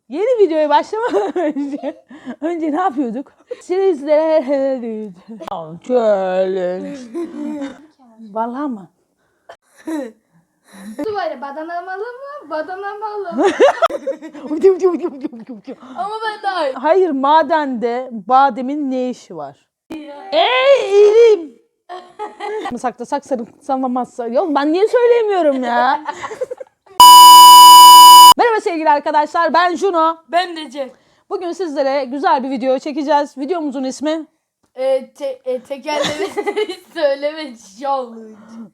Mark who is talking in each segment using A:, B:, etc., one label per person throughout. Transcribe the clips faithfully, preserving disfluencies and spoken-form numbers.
A: Yeni videoya başlamadan önce önce ne yapıyorduk? Sizlere challenge. Vallahi mı?
B: Duvarı badanamalı mı? Badanamalı mı? Ama ben daha iyi.
A: Hayır, madende bademin ne işi var? Ey ilim! Saklasak sarımsamamazsa. Yok, ben niye söyleyemiyorum ya? Merhaba sevgili arkadaşlar, ben Juno.
B: Ben de Cem.
A: Bugün sizlere güzel bir video çekeceğiz. Videomuzun ismi...
B: E, te, e, tekerlemeleri söyleme challenge.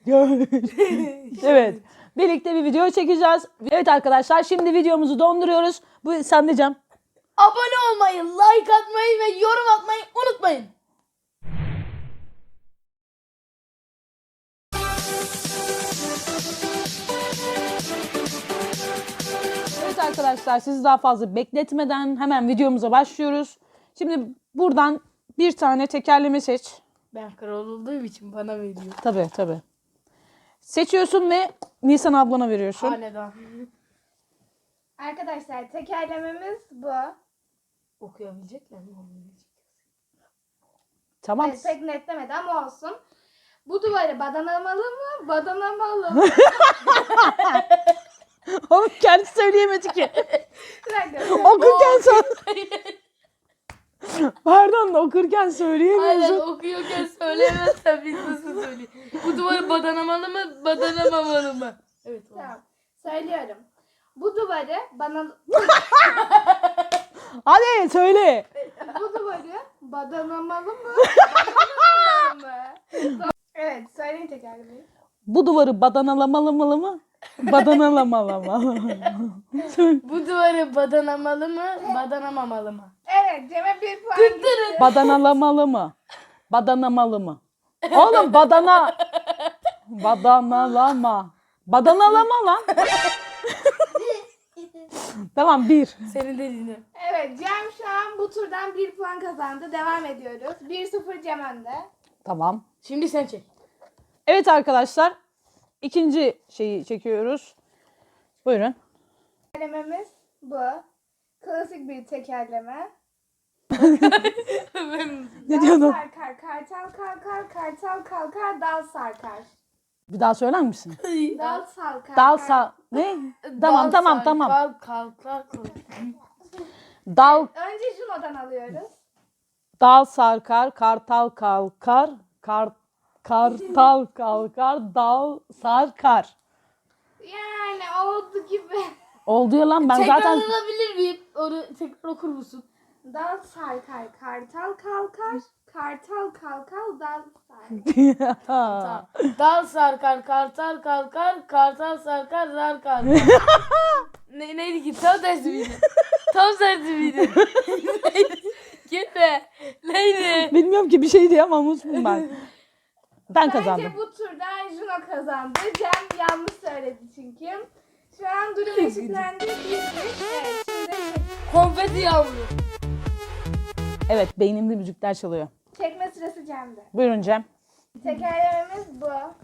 A: Evet, birlikte bir video çekeceğiz. Evet arkadaşlar, şimdi videomuzu donduruyoruz. Bu sen de Cem.
B: Abone olmayı, like atmayı ve yorum atmayı unutmayın.
A: Evet arkadaşlar, sizi daha fazla bekletmeden hemen videomuza başlıyoruz. Şimdi buradan bir tane tekerleme seç.
B: Ben kral olduğum için bana veriyor.
A: Tabii tabii. Seçiyorsun ve Nisan ablana veriyorsun.
B: Hanedan.
C: Arkadaşlar tekerlememiz bu.
B: Okuyabilecekler mi?
A: Tamam.
C: Evet, pek netlemedi ama olsun. Bu duvarı badanamalı mı? Badanamalı mı?
A: Oğlum kendi söyleyemedi ki.
C: Bir dakika.
A: Okurken sonra... Pardon da okurken söyleyemiyorsun.
B: Aynen, okuyorken söyleyemezsen biz nasıl söyleyeyim? Bu duvarı badanamalı mı, badanamamalı mı? Evet. Tamam.
C: Tamam. Söylüyorum. Bu duvarı bana
A: Hadi söyle.
C: bu duvarı badanamalı mı? Badanamalı mı? Evet, söyleyin tekerlemeyi.
A: Bu duvarı badanalamalı mı? Badanalamalı mı?
B: Bu duvarı badanamalı mı, badanamamalı mı?
C: Evet, Cem'e bir puan gitti.
A: Badanalamalı mı? Badanamalı mı? Oğlum badana. Badanalama. Badanalama lan. Tamam, bir.
B: Senin dediğini.
C: Evet, Cem şu an bu turdan bir puan kazandı. Devam ediyoruz. bir sıfır Cem önde.
A: Tamam.
B: Şimdi sen çek.
A: Evet arkadaşlar. İkinci şeyi çekiyoruz. Buyurun.
C: Tekerlememiz bu. Klasik bir tekerleme.
A: Ne
C: Dal
A: diyordun?
C: sarkar, kartal kalkar, kartal kalkar, dal sarkar.
A: Bir daha söyler misin?
C: Dal salkar.
A: Dal
C: kar-
A: sa... Ne? Tamam tamam tamam.
B: Kalk kalk kalk.
A: Dal
C: Önce Juno'dan alıyoruz.
A: dal sarkar, kartal kalkar, kar kartal kalkar, dal sarkar.
C: Yani oldu gibi.
A: Oldu ya lan, ben
B: Tekrar
A: zaten
B: alabilir miyim? Onu tekrar okur musun?
C: Dal sarkar, kartal kalkar, kartal kalkar, dal sarkar.
B: Tamam. Dal sarkar, kartal kalkar, kartal sarkar, zar kalkar. ne, neydi ki? Tam tersi miydi? Tam tersi miydi? Neydi? Gitme. Neydi?
A: bilmiyorum ki, bir şeydi ama unuttum ben. Ben kazandım.
C: Bence bu turda Juno kazandı. Cem yanlış söyledi çünkü. Şu an durum eşitlendi. Bir bir. Evet, şimdi
B: Konfeti yağmuru.
A: Evet, beynimde müzikler çalıyor.
C: çekme sırası Cem'de.
A: Buyurun Cem.
C: Tekerlememiz bu.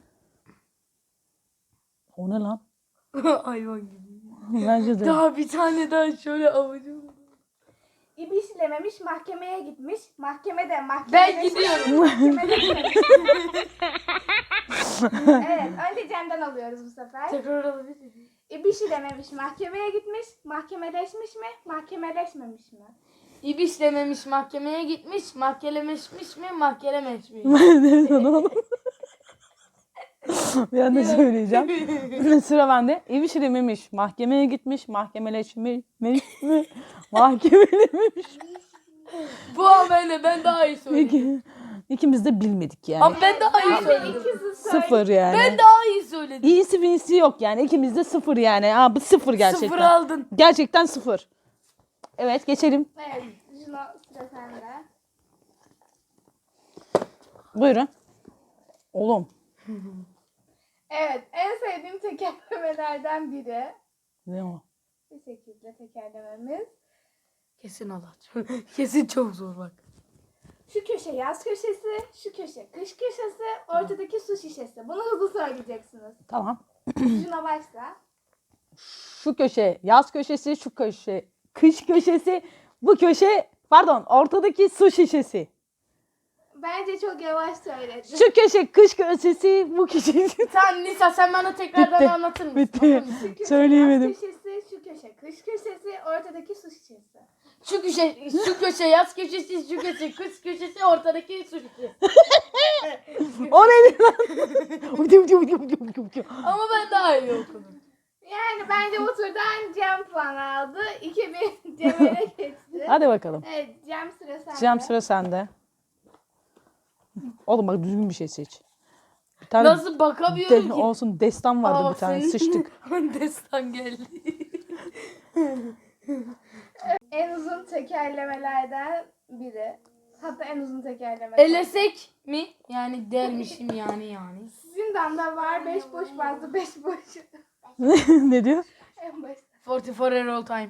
A: O ne lan?
B: Hayvan gibi.
A: Bence de.
B: Daha bir tane daha şöyle avucum.
C: İbişlememiş mahkemeye gitmiş. Mahkemede mahkemede.
B: Ben gidiyorum.
C: Mahkemede. Evet, önce Cem'den alıyoruz bu sefer.
B: Tekrar alabilir miyim?
C: İbişlememiş mahkemeye gitmiş. Mahkemeleşmiş mi? Mahkemeleşmemiş mi?
B: İbiş dememiş mahkemeye gitmiş, mahkemeleşmiş mi, mahkemeleşmiş mi?
A: Ne sana oğlum? Bir anda söyleyeceğim. Sıra bende. Ev işi dememiş. Mahkemeye gitmiş. Mahkemeleşmiş mi? Mahkemelemiş.
B: Bu an ben de ben daha iyi söyledim.
A: İki, ikimiz de bilmedik yani.
B: Ama ben daha iyi
C: Ben de
B: söyledim.
C: ikisi söyle.
A: Sıfır yani.
B: Ben daha iyi söyledim.
A: İyisi finisi yok yani. İkimiz de sıfır yani. Ha, bu sıfır gerçekten.
B: Sıfır aldın.
A: Gerçekten sıfır. Evet, geçelim.
C: Evet, Juno sıra sende.
A: Buyurun. Oğlum.
C: Evet, en sevdiğim tekerlemelerden biri.
A: Ne o?
C: Bu şekilde tekerlememiz.
B: Kesin Allah. Kesin çok zor bak.
C: Şu köşe yaz köşesi, şu köşe kış köşesi, ortadaki su şişesi. Bunu hızlı söyleyeceksiniz.
A: Tamam.
C: Juno başla.
A: Şu köşe yaz köşesi, şu köşe kış köşesi. Bu köşe pardon ortadaki su şişesi.
C: Bence çok yavaş söyledin.
A: Şu köşe kış köşesi, bu köşe.
B: Sen Nisa sen bana tekrardan
A: Bitti.
B: anlatır mısın?
A: Bitti.
B: Anlatır mısın?
C: Şu köşe
A: Söyleyemedim.
C: yaz köşesi, şu köşe kış köşesi, ortadaki su şişesi.
B: Şu köşe, şu köşe yaz köşesi, şu köşe kış köşesi, ortadaki su şişesi.
A: O neydi lan?
B: Ama ben daha iyi okudum.
C: Yani bence bu turdan Cem puan aldı. iki bir Cem'e geçti.
A: Hadi bakalım.
C: Evet Cem sıra sende.
A: Cem sıra sende. Oğlum bak düzgün bir şey seç. Bir tane
B: Nasıl bakamıyorum
A: de-
B: ki?
A: olsun destan vardı
B: Aa,
A: bir tane
B: senin-
A: sıçtık.
B: Destan geldi.
C: En uzun tekerlemelerden biri. Hatta en uzun tekerleme.
B: Elesek mi? Yani dermişim yani yani.
C: Sizin damda var beş boş bazı beş boş.
A: Ne diyor?
C: En başta.
B: forty four er all time.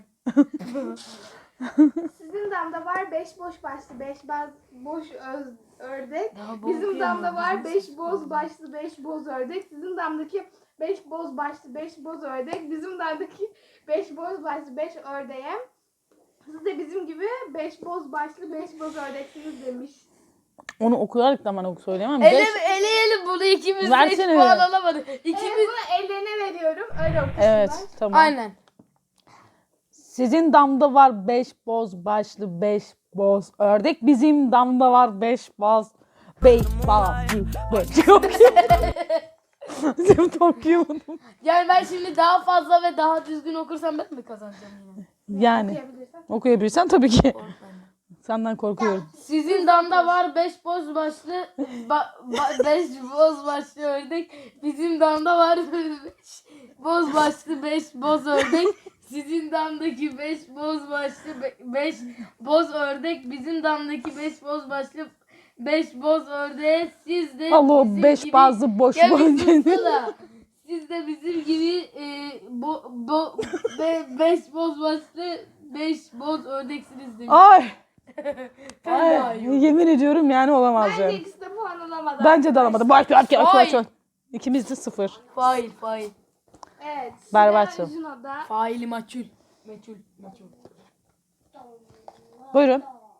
C: Sizin damda var beş boş başlı beş baz boş öz, ördek.
B: Daha bu
C: Bizim
B: okuyamam,
C: damda var
B: bizim
C: beş
B: sıkıldı.
C: boz başlı beş boz ördek. Sizin damdaki beş boz başlı beş boz ördek. Bizim damdaki beş boz başlı beş ördeğe. Siz de bizim gibi beş boz başlı beş boz ördeksiniz demiş.
A: Onu okuyarak da bana söyleyemem.
B: Ele,
A: Beş-
B: eleyelim bunu ikimiz de hiç
A: Versene
B: puan
A: öyle.
B: alamadık.
C: Evet,
B: İkimiz...
C: bunu ellerine veriyorum. Öyle okusunlar.
A: Evet tamam.
B: Aynen.
A: Sizin damda var beş boz başlı beş boz ördek. Bizim damda var beş boz beş bazı beş. Çok iyi. Bizim tokuyamadım.
B: Yani ben şimdi daha fazla ve daha düzgün okursam ben mi kazanacağım yine?
A: Yani
C: Okuyabilirsen.
A: okuyabilirsen tabii ki. Senden korkuyorum.
B: Sizin damda var beş boz başlı ba, ba- beş boz başlı ördek. Bizim damda var beş boz başlı beş boz ördek. Sizin damdaki beş boz başlı be- beş boz ördek. Bizim damdaki beş boz başlı beş boz ördeğe siz de
A: Allah o
B: bizim
A: beş
B: gibi-
A: bazı boş
B: Ya bir
A: boş.
B: sussana. Siz de bizim gibi e, bo, bo, be, beş boz başlı beş boz ördeksiniz demiş.
A: Ay.
B: Ben daha
A: Ay.
B: iyi oldum.
A: Yemin ediyorum yani olamaz
C: Bence
A: yani.
C: ikisi de puan alamadı.
A: Bence de alamadı. Baş baş baş baş.
B: Ay.
A: İkimiz de sıfır.
B: Fail fail.
C: Evet.
A: Berbatsın.
C: Sıra Juno'da.
B: Faili maçul. Meçhul. Meçhul.
A: Buyurun.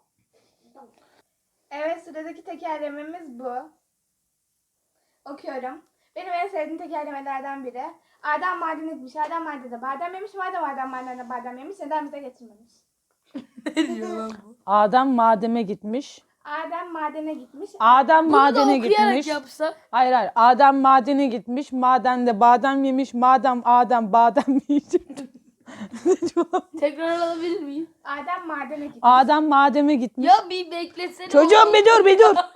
C: Evet sıradaki tekerlememiz bu. Okuyorum. Benim en sevdiğim tekerlemelerden biri. Adem madene gitmiş. Adem madende badem yemiş. Madem Adem madende badem yemiş. Neden bize getirmemiş?
B: Ne diyor lan bu?
A: Adem mademe gitmiş.
C: Adem madene gitmiş.
A: Adem
B: Bunu da
A: madene
B: okuyarak
A: gitmiş.
B: yapsa.
A: Hayır hayır. Adem madene gitmiş. Madende badem yemiş. Madem Adem badem yiyecek. Ne diyor lan?
B: Tekrar alabilir miyim?
C: Adem madene gitmiş.
A: Adem mademe gitmiş.
B: Ya bir beklesene.
A: Çocuğum bir dur bir dur.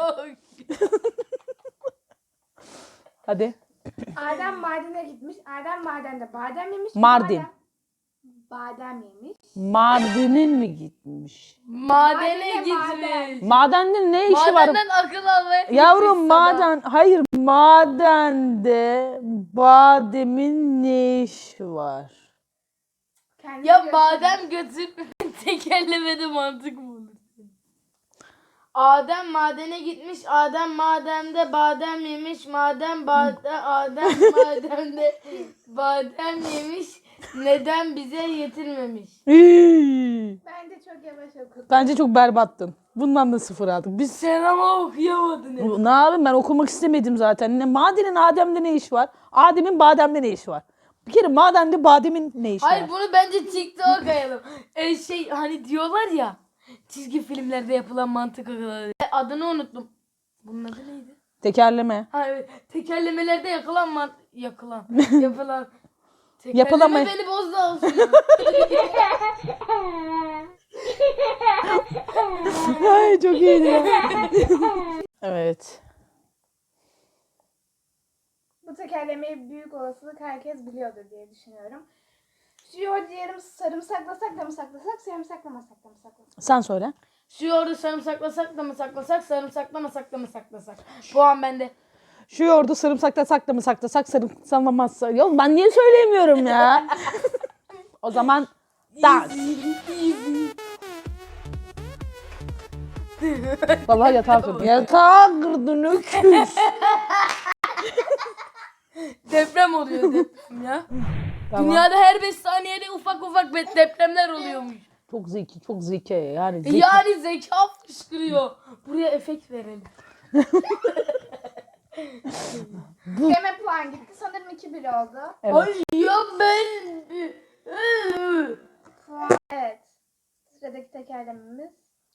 A: Hadi.
C: Adem madene gitmiş. Adem madende badem yemiş.
A: Mardin.
C: Badem, badem yemiş.
A: Mardin'in mi gitmiş?
B: Madene
C: Madene, maden.
B: gitmiş.
A: Madende ne işi var?
B: Madenden akıl almaya
A: Yavrum
B: gitmiş sana.
A: maden, hayır madende bademin ne işi var?
C: Kendisi
B: Ya
C: görüşürüz.
B: badem götür tekerlemede mantık mı olur? Adem madene gitmiş. Adem madende badem yemiş. Madem badem Adem mademde badem yemiş. Neden bize getirmemiş?
A: İyi.
C: Bence çok yavaş okudum.
A: Bence çok berbattın. Bundan da sıfır aldık. Biz
B: Sen ama okuyamadın. hep.
A: ne yapayım ben okumak istemedim zaten. Ne, madenin Adem'de ne işi var? Adem'in bademde ne işi var? Bir kere madende bademin ne işi
B: Hayır
A: var?
B: bunu bence TikTok'a koyalım. E şey hani diyorlar ya çizgi filmlerde yapılan mantık akılları. E, Adını unuttum. Bunun adı neydi?
A: Tekerleme.
B: Ha evet. Tekerlemelerde yakılan man yakılan yapılan tekerleme
A: Yapılama-
B: beni bozdu olsun.
A: Ay çok iyiydi ya. Evet.
C: Bu tekerlemeyi büyük olasılık herkes biliyordur diye düşünüyorum. Şu yoğurdu yarım sarımsaklasak da mı saklasak, sarımsaklamasak da mı saklasak?
A: Sen söyle.
B: Şu yoğurdu sarımsaklasak da mı saklasak, sarımsaklamasak da mı saklasak? Puan bende.
A: Şu yoğurdu sarımsaklasak da mı saklasak sarımsaklamazsa. Yok ben niye söyleyemiyorum ya? O zaman dans. Vallahi yatağa kırdın. Yatağa kırdın öküz.
B: Deprem oluyor deprem ya.
A: Tamam.
B: Dünyada her beş saniyede ufak ufak be- depremler oluyormuş.
A: Çok zeki, çok zeki yani. Zeki.
B: Yani zeka fışkırıyor. Buraya efekt verelim.
C: Yeme puan gitti. Sanırım iki bir oldu.
A: Evet.
B: Ay ya ben...
C: Puan. Evet. Sıradaki tekerlememiz.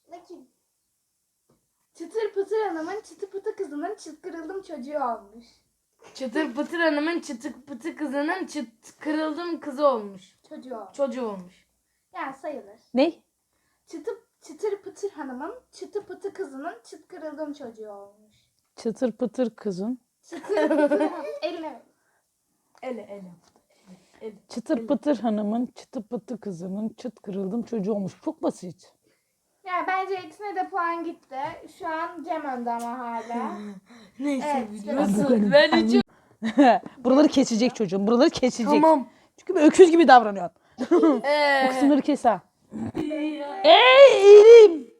C: Çıtır pıtır hanımın çıtı pıtı kızının çıt kırıldım çocuğu olmuş.
B: Çıtır pıtır hanımın çıtır pıtır kızının çıt kırıldım kızı olmuş.
C: Çocuğu olmuş.
B: Çocuğu olmuş.
C: Yani sayılır.
A: Ne?
C: Çıtı, çıtır pıtır hanımın çıtı pıtı kızının çıt kırıldım çocuğu olmuş.
A: Çıtır pıtır kızın.
C: Çıtır pıtır eline ver.
B: Ele ele. ele.
A: Çıtır pıtır hanımın çıtı pıtı kızının çıt kırıldım çocuğu olmuş. Çok basit.
C: Yani bence ikisine de puan gitti. Şu an Cem önde ama hala.
B: Neyse
C: Evet,
B: biliyorsun. Ben üçüm.
A: Buraları kesecek çocuğum. Buraları kesecek.
B: Tamam.
A: Çünkü bir öküz gibi davranıyor. O
B: Ee,
A: kısımları kes ha. Ey elim.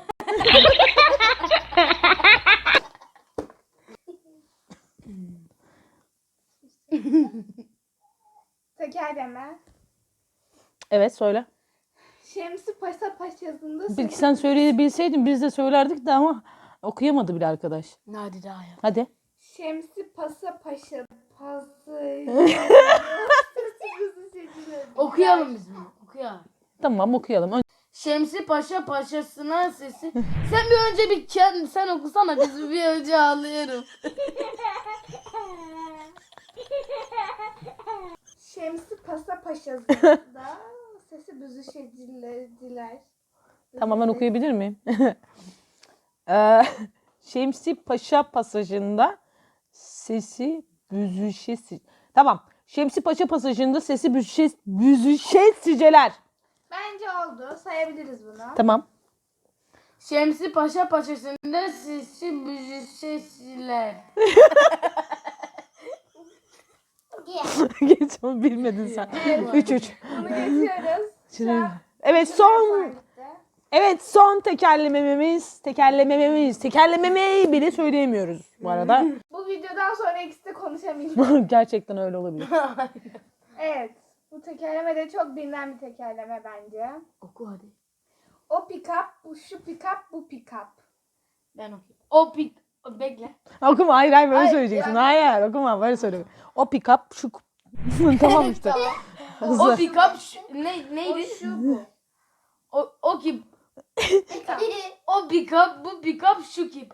C: Tekerleme.
A: Evet söyle.
C: Şemsi Paşa Paşası'nda
A: Belki sen söyleyebilseydin biz de söylerdik de ama okuyamadı bile arkadaş.
B: Hadi daha ya.
A: Hadi.
C: Şemsi Pasa Paşa Pası.
B: Okuyalım biz bunu. Okuyalım.
A: Tamam okuyalım. Ön-
B: Şemsi Paşa paşasına sesi. Sen bir önce bir kendin sen okusana biz bir önce ağlıyorum.
C: Şemsi Pasa Paşası'nda sesi büzüşeciler.
A: Tamam ben okuyabilir miyim? Ee, Şemsi Paşa pasajında sesi büzüşesi. Tamam. Şemsi Paşa pasajında sesi büzüşe, büzüşesiceler.
C: Bence oldu. Sayabiliriz bunu.
A: Tamam.
B: Şemsi Paşa paşasında sesi büzüşesiler.
A: Geç onu bilmedin sen. üç üç.
C: Bunu geçiyoruz. Şu an
A: Evet son evet son tekerlememiz tekerlememiz tekerlememeyi bile söyleyemiyoruz bu arada.
C: Bu videodan sonra ikisi de konuşamayacak.
A: Gerçekten öyle olabilir.
C: Evet. Bu tekerleme de çok bilinen bir tekerleme bence.
B: Oku hadi.
C: O pick-up, bu şu pick-up, bu pick-up.
B: Ben okuyayım. O pik... Bekle.
A: Okuma hayır hayır böyle
C: Hayır,
A: söyleyeceksin.
C: yani-
A: Hayır okuma böyle söyle. O pick up şu tamam işte.
B: O
A: Hızlı.
B: pick up şu- ne, neydi?
C: O şu bu.
B: O, o ki
C: Pick-up.
B: o pick up bu pick up şu ki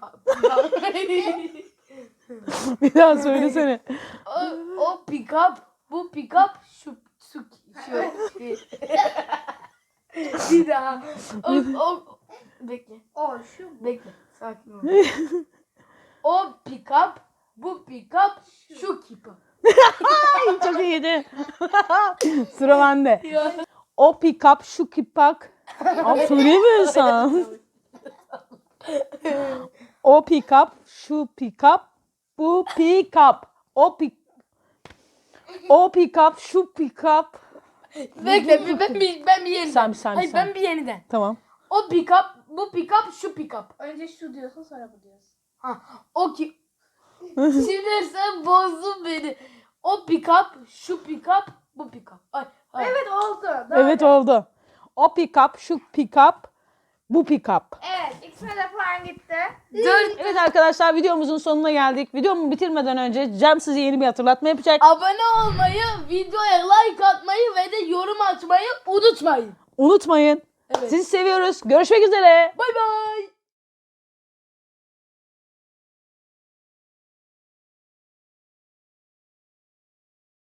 A: Bir daha söylesene.
B: o, o pick up bu pick up şu şu şu bir daha o, o bekle
C: O şu bu.
B: bekle sakin ol. O pick up bu pick up şu kipa.
A: Çok iyiydi. Sıra bende. O pick up şu kipak. Abi söyleyemiyorsan. O pick up şu pick up bu pick up. O pick O pick up şu pick up.
B: Bekle bir- ben bir ben bir yeniden.
A: Sen bir sen bir
B: Hayır
A: sen.
B: ben bir yeniden.
A: Tamam.
B: O pick up bu pick up şu pick up.
C: Önce şu diyorsun sonra bu diyorsun.
B: Ha, o ki şimdi sen bozdun beni. O pick up, şu pick up, bu pick up. Ay, ay.
C: Evet oldu. Doğru.
A: Evet oldu. O pick up şu pick up bu pick up.
C: Evet ikisine de puan gitti.
B: Dört.
A: Evet arkadaşlar videomuzun sonuna geldik. Videomu bitirmeden önce Cem size yeni bir hatırlatma yapacak.
B: Abone olmayı, videoya like atmayı ve de yorum açmayı unutmayın.
A: Unutmayın.
B: Evet.
A: Sizi seviyoruz. Görüşmek üzere.
B: Bay bay.